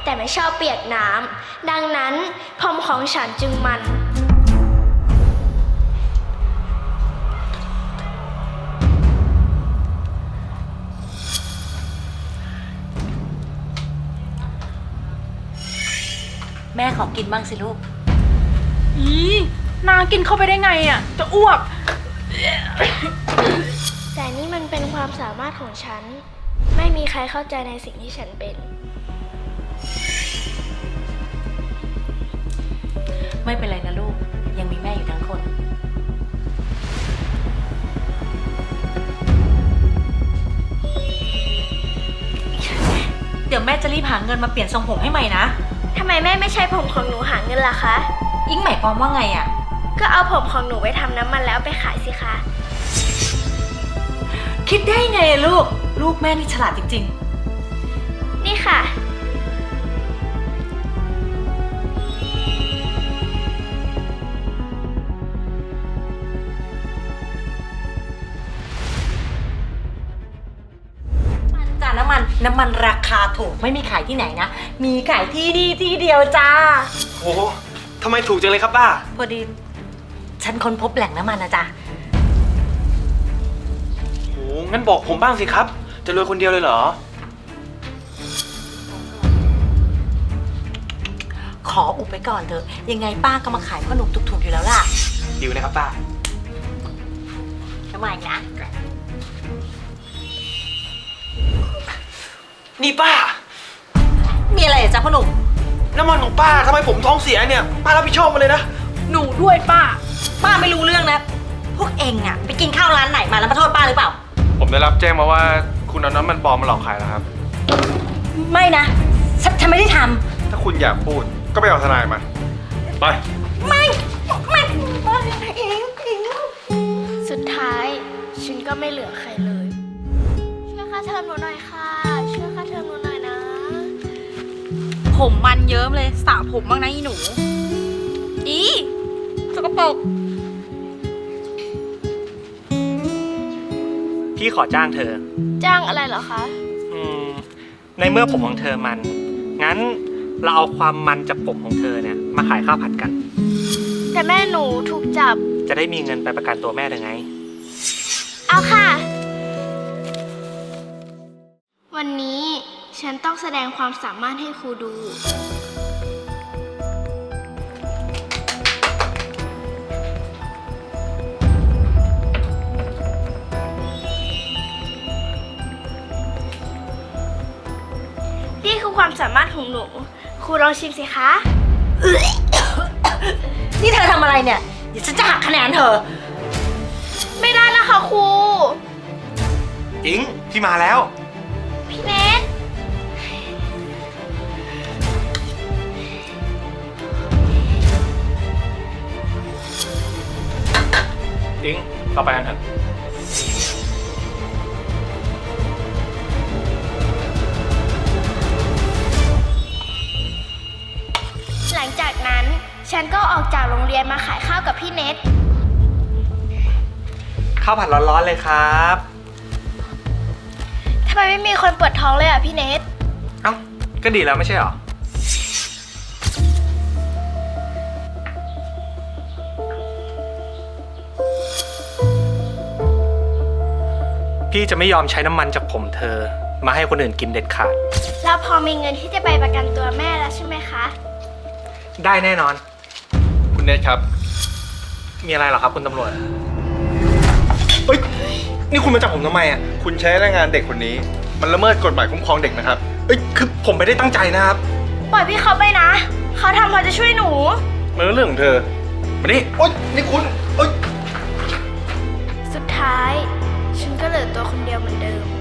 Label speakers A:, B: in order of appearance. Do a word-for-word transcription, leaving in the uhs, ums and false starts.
A: แต่ไม่ชอบเปียกน้ำดังนั้นผมของฉันจึงมัน
B: แม่ขอกินบ้างสิลูก
C: อีนากินเข้าไปได้ไงอ่ะจะอ้วก
A: แต่นี่มันเป็นความสามารถของฉันไม่มีใครเข้าใจในสิ่งที่ฉันเป็น
B: ไม่เป็นไรนะลูกยังมีแม่อยู่ทั้งคนเดี๋ยวแม่จะรีบหาเงินมาเปลี่ยนทรงผมให้ใหม่นะ
A: ทำไมแม่ไม่ใช้ผมของหนูหาเงินล่ะคะ
B: อิงหมายความว่าไงอ่ะ
A: ก็เอาผมของหนูไปทำน้ำมันแล้วไปขายสิคะ
B: คิดได้ไงลูกลูกแม่นี่ฉลาดจริง
A: ๆนี่ค่ะ
B: มันจ้าน้ำมันน้ำมันราคาถูกไม่มีขายที่ไหนนะมีขายที่นี่ที่เดียวจ้า
D: โอ้ทำไมถูกจังเลยครับป้า
B: พอดีฉันค้นพบแหล่งน้ำมันนะจ๊ะ
D: โหงั้นบอกผมบ้างสิครับจะรวยคนเดียวเลยเหรอ
B: ขออุบไปก่อนเถอะยังไงป้าก็มาขายขนมถูกๆอยู่แล้วล่ะ
D: ดิวนะครับป้า
B: ทำไมนะ
D: นี่ป้า
B: มีอะไรจ๊ะพ่อหนุ่ม
D: น้ำมันของป้าทำไมผมท้องเสียเนี่ยป้ารับผิดชอบมาเลยนะ
C: หนูด้วยป้า
B: ป้าไม่รู้เรื่องนะพวกเองอะไปกินข้าวร้านไหนมาแล้วมาโทษป้าหรือเปล่า
D: ผมได้รับแจ้งมาว่าคุณเอาน้ำมันปลอมมาหลอกขายแล้วครับ
B: ไม่นะฉันฉันไม่ได้ท
D: ำถ้าคุณอยากพูดก็ไปเอาทนายมาไป
B: ไม่ไม่ไม่เองเอง
A: สุดท้ายฉันก็ไม่เหลือใครเลยช่วยค่าเทอมหนูหน่อยค่ะช่วยค่าเทอมหนูหน่อยนะ
C: ผมมันเยิ้มเลยสระผมบ้างนะอีหนูอีสกปรก
E: พี่ขอจ้างเธอ
A: จ้างอะไรเหรอคะ
E: อืมในเมื่อผมของเธอมันงั้นเราเอาความมันจากผมของเธอเนี่ยมาขายข้าวผัดกัน
A: แต่แม่หนูถูกจับ
E: จะได้มีเงินไปประกันตัวแม่ได้ไง
A: เอาค่ะวันนี้ฉันต้องแสดงความสามารถให้ครูดูนี่คือความสามารถของหนูครูลองชิมสิคะ
B: นี่เธอทำอะไรเนี่ยเดี๋ยวฉันจะหักคะแนนเธอ
A: ไม่ได้แล้วค่ะครู
D: อิงพี่มาแล้ว
A: พี่เนท
D: อิงต่อไปกันเถอะ
A: หลังจากนั้นฉันก็ออกจากโรงเรียนมาขายข้าวกับพี่เนท
E: ข้าวผัดร้อนๆเลยครับ
A: ทำไมไม่มีคนปวดท้องเลยอ่ะพี่เนท
E: เอ้าก็ดีแล้วไม่ใช่หรอพี่จะไม่ยอมใช้น้ำมันจากผมเธอมาให้คนอื่นกินเด็ดขาด
A: แล้วพอมีเงินที่จะไปประกันตัวแม่แล้วใช่ไหมคะ
E: ได้แน่นอน
D: คุณเนทครับ
E: มีอะไรเหรอครับคุณตำรวจเฮ้ยนี่คุณมาจับผมทำไมอ่ะ
D: คุณใช้แรงงานเด็กคนนี้มันละเมิดกฎหมายคุ้มครองเด็กนะครับ
E: เอ้ยคือผมไม่ได้ตั้งใจนะครับ
A: ปล่อยพี่เขาไปนะเขาทำเพราะจะช่วยหนู
D: มันเรื่องของเธอมานี่โอ๊ยนี่คุณโอ๊ย
A: สุดท้ายฉันก็เหลือตัวคนเดียวเหมือนเดิม